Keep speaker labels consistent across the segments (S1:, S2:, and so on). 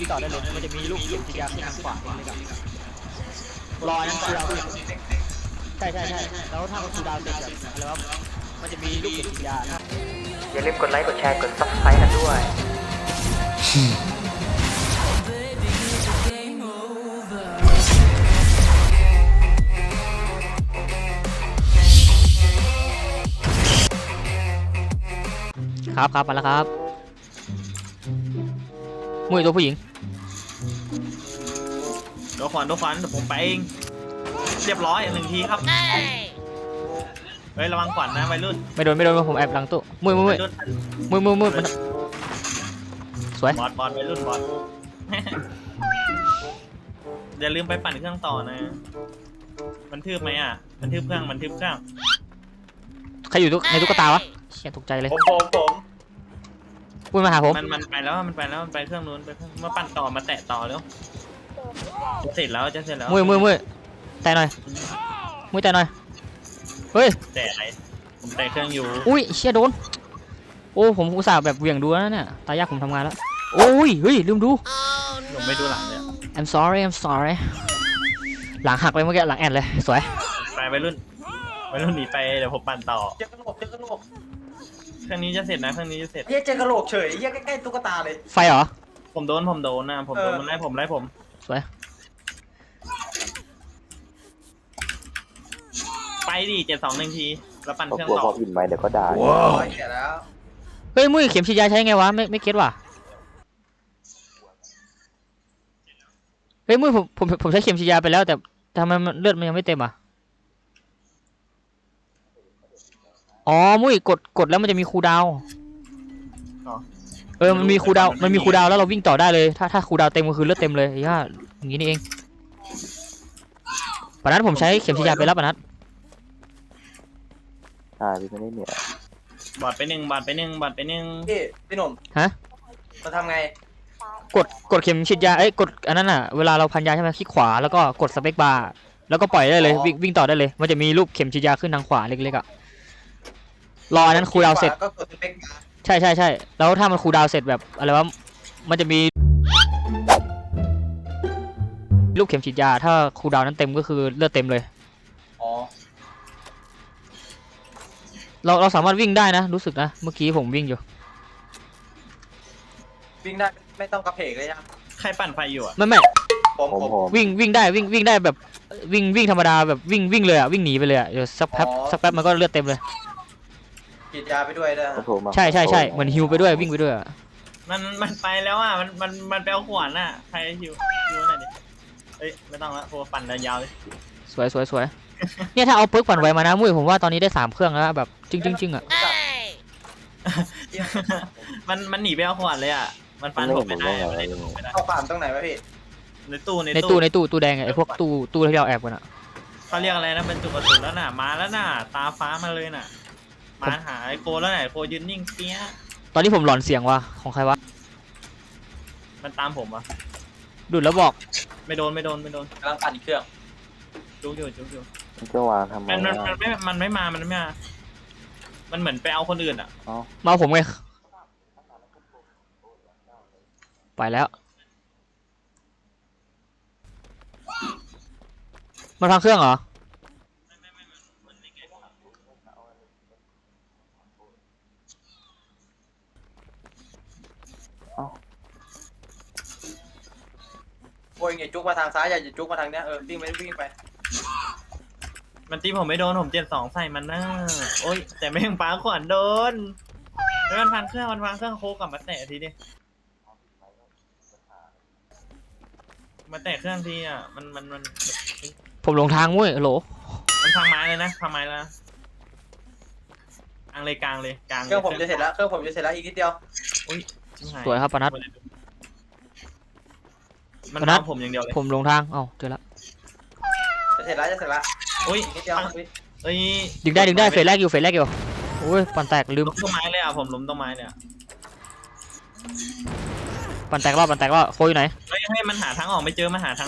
S1: ต่อได้เลยมันจะมีลูกเข็มฉีดยาที่ทางขวาเลยครับรอนั้นคูลดาวน์ใช่แล้วถ้ามันคูลดาวน์เสร็จแบบอะไรวะมันจะมีลูกเข็มฉีดยา
S2: อย่าลืมกดไลค์กดแชร์กด Subscribe กันด้วย
S1: ครับมาแล้วครับมุ้ยตัวผู้หญิง
S3: ตัวขวัญเดี๋ยวผมไปเองเรียบร้อย1 ทีครับเฮ้ยระวังขวัญนะวัยรุ่น
S1: ไม่โดนผมแอบหลังตู้มุ้ยมันสวย
S3: บอสวัยรุ่นบอสอย่าลืมไปปั่นเครื่องต่อนะมันทืบไหมอ่ะมันทืบเครื่อง
S1: ใครอยู่ในตุ๊กตาวะเชี่ยตกใจเลย
S3: ผม
S1: พูดมาหาผม
S3: มันไปแล้วมันไปเครื่องนู้นไปเครื่องมาปั่นต่อมาแตะต่อแล้วจะเสร็จแล้ว
S1: มุ้ยแต่หน่อยมุ้ยแต่หน่อยเฮ้ย
S3: แต่อะไรผมแต่เครื่องอยู่
S1: อุ้ยเชี่ยโดนโอ้ผมอุตส่าห์แบบเหวี่ยงดูแล้วเนี่ยตายากผมทำงานแล้วโอ้ยเฮ้ยลืมดู
S3: ผมไม่ดูหลังเลย
S1: I'm sorry หลังหักเลยเมื่อกี้หลังแอนเลยสวย
S3: ไปวัยรุ่นหนีไปเดี๋ยวผมปั่นต่อเจอกระโหลกเครื่องนี้จะเสร็จนะเครื่องนี้จะเสร็จ
S4: เจอกระโหลกเฉยใกล้ๆตุ๊กตาเลย
S1: ไฟเหรอ
S3: ผมโดนนะผมโดนมันไล่ผม
S1: สวย
S3: ไปดิ7-2-1 ทีแล้วปั่นเครื่องต่อ
S2: พอพิมพ์ไปเดี๋ยวก็ด่า
S1: เฮ้ยมุ้ยเข็มฉีดยาใช้ไงวะไม่เก็ตว่ะเฮ้ยมุ้ยผมใช้เข็มฉีดยาไปแล้วแต่ทำไมเลือดมันยังไม่เต็มอ่ะอ๋อมุ้ยกดแล้วมันจะมีคูลดาวน์มันมีคูลดาวน์แล้วเราวิ่งต่อได้เลยถ้าคูลดาวน์เต็มก็คือเลือดเต็มเลยอย่างนี้นี่เองปนัดผมใช้เข็มฉีดยาไปแล้วปนัด
S2: พี่ไม่ได้เหนื่อย
S3: บอดไปหนึ่ง
S4: พี่หนุ่ม
S1: ฮะ
S4: มาทำไง
S1: กดเข็มฉีดยากดอันนั้นอ่ะเวลาเราพันยาใช่ไหมคลิกขวาแล้วก็กดสเปคบาร์แล้วก็ปล่อยได้เลยวิ่งต่อได้เลยมันจะมีรูปเข็มฉีดยาขึ้นทางขวาเล็กๆอ่ะรออันนั้นคูลดาวน์เสร็จ
S4: ก็กดสเปคบาร์
S1: ใช่แล้วถ้ามันคูลดาวน์เสร็จแบบอะไรวะมันจะมีรูปเข็มฉีดยาถ้าคูลดาวน์นั้นเต็มก็คือเลือดเต็มเลยเราสามารถวิ่งได้นะรู้สึกนะเมื่อกี้ผมวิ่งอยู่
S4: วิ่งได้ไม่ต้องกระเพกเลยนะ
S3: ใครปั่นไฟอยู่อ่ะ
S1: ไม่
S4: ผม
S1: วิ่งได้วิ่งได้แบบวิ่งธรรมดาแบบวิ่งเลยอ่ะวิ่งหนีไปเลยอ่ะเดี๋ยวสักแป๊บมันก็เลือดเต็มเลย
S4: ฉีดยาไปด้วย
S1: ใช่เหมือนฮิวไปด้วยวิ่งไปด้วย
S3: มันไปแล้วอ่ะมันไปเอาขวานอ่ะใครฮิวหน่อยดิเฮ้ยไม่ต้องละโฟปั่นยาวเลย
S1: สวยเนี่ยถ้าเอาปึ๊กปั่นไวมานะมุ้ยผมว่าตอนนี้ได้3 เครื่องแล้วแบบจริงอ่ะ
S3: มันหนีไปเอาขวานเลยอ่ะมันฟันผมไม่ได้
S4: เอาขวานตรงไหนวะพี่
S3: ในตู้
S1: แดงไอ้พวกตู้ที่เราแอบกันอ่ะ
S3: เขาเรียกอะไรนะเป็นจุดกระสุนแล้วน่ะมาแล้วน่ะตาฟ้ามาเลยน่ะมาหาไอโคแล้วไหนโคยืนนิ่งเปี้ย
S1: ตอนนี้ผมหลอนเสียงว่ะของใครวะ
S3: มันตามผมวะ
S1: ดูดแล้วบอก
S3: ไม่โดน
S4: กำลังปั่นเครื่อง
S3: จุกอยู่
S2: ก็วางทำไม
S3: มันไม่มามันเหมือนไปเอาคนอื่นอ่ะ
S1: มาผมไงไปแล้วมันพังเครื่องเหรอ
S4: โอ้ยจุกมาทางซ้ายอย่าจุกมาทางเนี้ยวิ่งไป
S3: มันตีผมไม่โดนผม7-2ใส่มันนะโอ้ยแต่ไม่ยังปาขวานโดนแล้วมันพังเครื่องโคกลับมาแตะทีดิมาแตะเครื่องทีอ่ะมัน
S1: ผมหลงทางมุ้ยโหล
S3: มันพังไม้เลยนะพังไม้แล้วกลางเลย
S4: เครื่องผมจะเสร็จแล้วอีกนิดเดียว
S3: อุ้ย
S1: สวยครับปนัด
S3: มันเอาผมอย่างเดียวเลย
S1: ผมลงทางเจอแล้ว
S4: จะเสร็จแล้ว
S3: อุ้ย
S4: นิดเดียว
S1: ดึงได้เฟสแรกอยู่โอ้ยปั่นแตกลืม
S3: ล้มต้นไม้เลยอ่ะผมล้มต้นไม้เลย
S1: ปั่นแตกรอบโคอยู่ไหน
S3: ให้มันหาทางออกไม่เจอ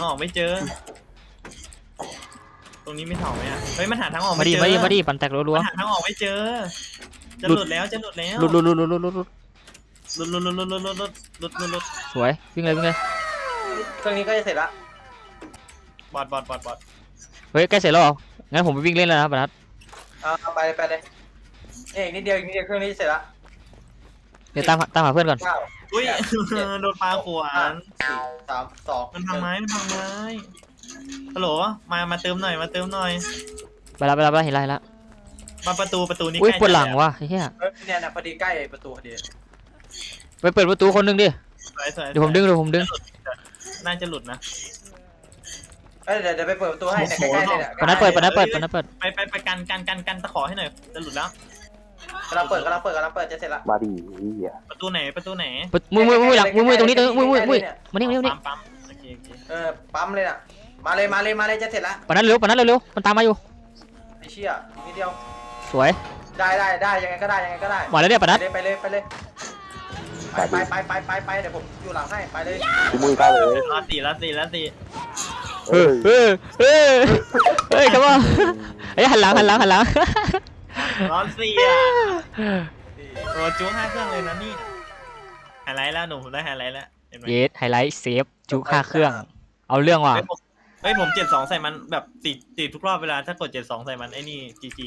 S3: ตรงนี้ไม่ถอยไหมอ่ะเฮ้ยมันหาทางออก
S1: มาดิปั่นแตกรัว
S3: ๆหาทางออกไม่เจอจะหลุดแล้วหลุด
S1: สวยวิ่งเลย
S4: เครื่องนี้ก็จะเสร็จละ
S3: บอด
S1: เฮ้ยใกล้เสร็จแล้วเหรองั้นผมไปวิ่งเล่นแล้วนะปนัด
S4: เอาไปเลยนี่อีกนิดเดียวเครื่องนี้จะเสร็จละ
S1: เดี๋ยวตามหาเพื่อนก่อน
S3: อุ้ย โดนปลาขวาน
S4: 4 3 2
S3: มันพังไม้ฮัลโหลมาเติมหน่อย
S1: ไปแล้วเห็นแล้ว
S3: มาประตูนี้
S1: อุ้ย
S3: ใกล้
S1: ปวดหลังว่ะไอ้เหี้ย
S4: เนี่ยนะพอดีใกล้ประตูพอดี
S1: ไปเปิดประตูคนหนึงดิ
S3: สวย
S1: เดี๋ยวผมดึง
S3: น่าจะหลุดนะ
S4: เดี๋ยวไปเปิดประตูให้เนี่ยใกล้ๆเนี่ย
S1: ปนัดเปิด
S3: ไปกันตะขอให้หน่อยจะหลุดแล้ว
S4: กำลังเปิดจะเสร็จละ
S2: มาดิเหี้ย
S3: ประตูไหน
S1: มือหลังมือตรงนี้มือมานี่
S3: ปั๊มโอเค
S4: ปั๊มเลยน่ะมาเลยจะเสร็จละ
S1: ปนัดเร็วมันตามมาอยู่
S4: ไอ้เชี่ยนิดเดียว
S1: สวย
S4: ได้ยังไงก็ได้
S1: มาแล้วเนี่ยปนัด
S4: ไปเลยไปเดี๋ยวผมอยู่หลังให้ไปเลย
S2: พี่มุ้ยเข้าเลย
S3: ละสี่
S1: เฮ้ยครับว่าเฮ้ยหันหลัง
S3: ร้อนสี่อ่ะโอ้จู๊5 เครื่องเลยนะนี่ไฮไลท์แล้วหนุ่มผมได้ไฮไลท์แล้วเห็นไหม
S1: เยสไฮไลท์เซฟจุ5เครื่อง เอาเรื่องว่ะ
S3: เฮ้ยผม72ใส่มันแบบติดทุกรอบเวลาถ้ากด72ใส่มันไอ้นี่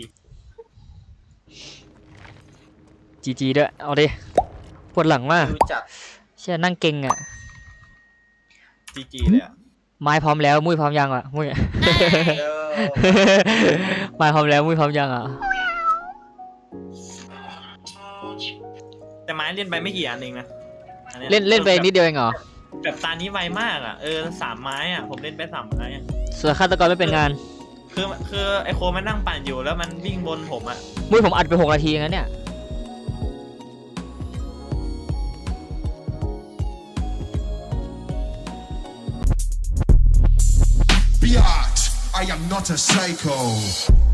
S1: GG ด้วยเอาดิปวดหลังมาก
S4: ดูจัด
S1: เชี่ยนั่งเก่งอ่ะ
S3: GG เลยอ่ะ
S1: ไม้พร้อมแล้วมุ้ยพร้อมยังอ่ะมุ้ย ไม้พร้อมแล้วมุ้ยพร้อมยังอ่ะ
S3: แต่ไม้เล่นไปไม่กี่อันเองนะอัย
S1: เล่นไปนิดเดียวเองเหรอ
S3: แบบตานี้ไวมากอ่ะ3 ไม้อ่ะผมเล่นไป3 ไม้อ่ะ
S1: ส่วนฆาตกรไม่เป็นงาน
S3: คือไอโคมันนั่งปั่นอยู่แล้วมันวิ่งบนผมอ่ะ
S1: มุ้ยผมอัดไป6 นาทีงั้นเนี่ย
S5: Biatch, I am not a psycho.